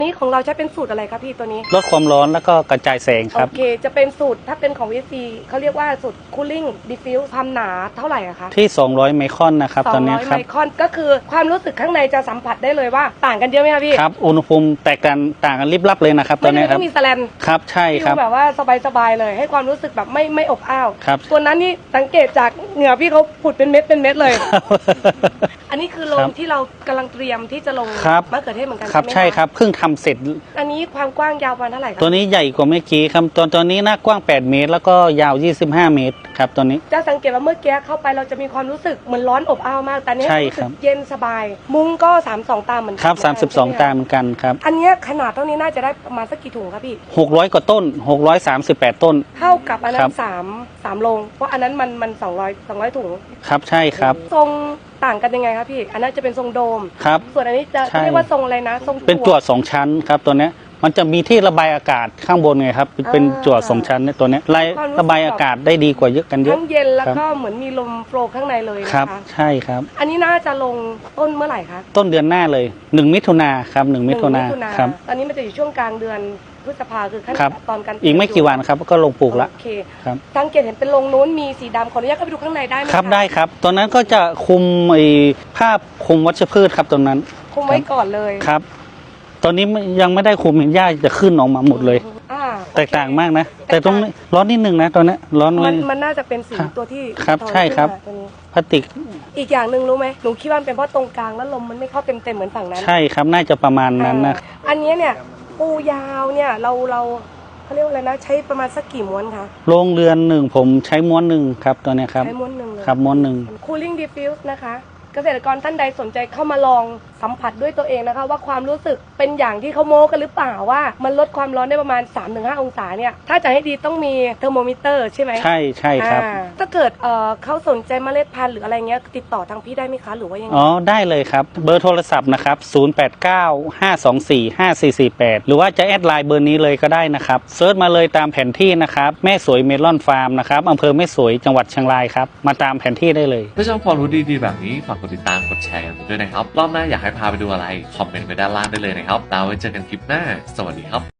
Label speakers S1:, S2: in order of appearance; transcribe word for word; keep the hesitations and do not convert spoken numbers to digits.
S1: นี่ของเราใช้เป็นสูตรอะไรครับพี่ตัวนี้
S2: ลดความร้อนแล้วก็กระจายแสงครับ
S1: โอเคจะเป็นสูตรถ้าเป็นของ วี ซี เขาเรียกว่าสูตร cooling diffuse ความหนาเท่าไหร่อะคะ
S2: ที่สองร้อยไมครอนนะครับตอนนี้ครับ
S1: สองร้อยไมครอนก็คือความรู้สึกข้างในจะสัมผัสได้เลยว่าต่างกันเยอะไหมคะพี่
S2: ครับอุณหภูมิแตกกันต่างกันลิบลับเลยนะครับตอนนี้ครับ
S1: ไม่มีแสลน
S2: ครับใช่ครับ
S1: แบบว่าสบายๆเลยให้ความรู้สึกแบบไม่ไม่อบอ้าว
S2: ครับ
S1: ตัวนั้นนี่สังเกตจากเหงื่อพี่เขาผุดเป็นเม็ดเป็นเม็ดเลยอันนี้คือโรงที่เรากำลังเตรียมที่จะลงมะเขือเทศเหมือนกัน
S2: ครับใช่ครับเพิ่งทำเสร็จ
S1: อันนี้ความกว้างยาวประมาณเท่าไหร่ครับ
S2: ตัวนี้ใหญ่กว่าเมื่อกี้ครับตัวตัวนี้หน้ากว้างแปดเมตรแล้วก็ยาวยี่สิบห้าเมตรครับตัวนี้
S1: จะสังเกตว่าเมื่อกี้เข้าไปเราจะมีความรู้สึกเหมือนร้อนอบอ้าวมากแต่นี้รู้สึกเย็นสบายมุ้งก็สามสิบสองตาเหมือนกัน
S2: ครับสามสิบสองตาเหมือนกันครับ
S1: อันนี้ขนาดเท่านี้น่าจะได้ประมาณสักกี่ถุงครับพี่
S2: หกร้อยกว่าต้นหกร้อยสามสิบแปดต้น
S1: เท่ากับอันนั้นสามสามโรงเพราะอันนั้นมันมันสองร้อยสองร้อยถุง
S2: ครับใช่ครับ
S1: ทรงต่างกันยังไงครับพี่อันนั้นจะเป็นทรงโดม
S2: ครับ
S1: ส่วนอันนี้จะเรียกว่าทรงอะไรนะทรง
S2: เป็นจั่วสองชั้นครับตัวนี้มันจะมีที่ระบายอากาศข้างบนไงครับเป็นจั่วสองชั้นในตัวนี้ระบายอากาศได้ดีกว่าเยอะกันเยอะ
S1: ทั้งเย็นแล้วก็เหมือนมีลมโฟล์ข้างในเลยนะคะ
S2: ครับใช่ครับ
S1: อันนี้น่าจะลงต้นเมื่อไหร่คะ
S2: ต้นเดือนหน้าเลยหนึ่งมิถุนาครับหนึ่งมิถุนาครับ
S1: ตอนนี้มันจะอยู่ช่วงกลางเดือนพฤษภาคือขั้นตอนการ
S2: อีกไม่กี่วันครับก็ลงปลูกละ
S1: โอเคครับสังเกตเห็นเป็นโรงนู้นมีสีดำขออนุญาตเข้าไปดูข้างในได้ไหม
S2: ครับได้ครับตอนนั้นก็จะคุมไอ้ผ้าคลุมวัชพืชครับตรงนั้น
S1: คุมไว้ก่อนเลย
S2: ครับตอนนี้ยังไม่ได้คุมเห็นหญ้าจะขึ้นออกมาหมดเลยแตกต่างมากนะแต่ตรงนี้ร้อนนิดนึงนะตอนนี้ร้อน
S1: มันมันน่าจะเป็นสีตัวที่
S2: ครับใช่ครับพลาสติก
S1: อีกอย่างหนึ่งรู้ไหมหนูคิดว่าเป็นเพราะตรงกลางแล้วลมมันไม่เข้าเต็มเต็มเหมือนฝั่งนั้น
S2: ใช่ครับน่าจะประมาณนั้นนะ
S1: อันนี้เนี่ยปูยาวเนี่ยเราเราเขาเรียกว่าอะไรนะใช้ประมาณสักกี่ม้วนคะ
S2: โรงเรือนหนึ่งผมใช้ม้วนหนึ่งครับตัวนี้ครับ
S1: ใช้ม้วนหนึ่งเลย
S2: ครับม้วนหนึ่ง
S1: Cooling Diffuse นะคะเกษตรกรท่านใดสนใจเข้ามาลองสัมผัสด้วยตัวเองนะคะว่าความรู้สึกเป็นอย่างที่เขาโม้กันหรือเปล่าว่ามันลดความร้อนได้ประมาณ สามถึงห้า องศาเนี่ยถ้าจะให้ดีต้องมีเทอร์โมมิเตอร์ใช่ไหม
S2: ใช่ใช่ครับ
S1: ถ้าเกิดเอ่อเขาสนใจเมล็ดพันธุ์หรืออะไรเงี้ยติดต่อทางพี่ได้ไหมคะหรือว่ายังไง
S2: อ๋อได้เลยครับเบอร์โทรศัพท์นะครับศูนย์ แปด เก้า ห้า สอง สี่ ห้า สี่ สี่ แปดหรือว่าจะแอดไลน์เบอร์นี้เลยก็ได้นะครับเซิร์ชมาเลยตามแผนที่นะครับแม่สวยเมลอนฟาร์มนะครับอำเภอแม่สวยจังหวัดเชียงรายครับมาตามแผนที่ได้เลย
S3: ถ้าชอบความรู้ดีๆแบบนี้ฝากกดติดตามกดแชร์กันด้วยนะครับรอบหน้าอยากให้พาไปดูอะไรคอมเมนต์ไว้ด้านล่างได้เลยนะครับแล้วไว้เจอกันคลิปหน้าสวัสดีครับ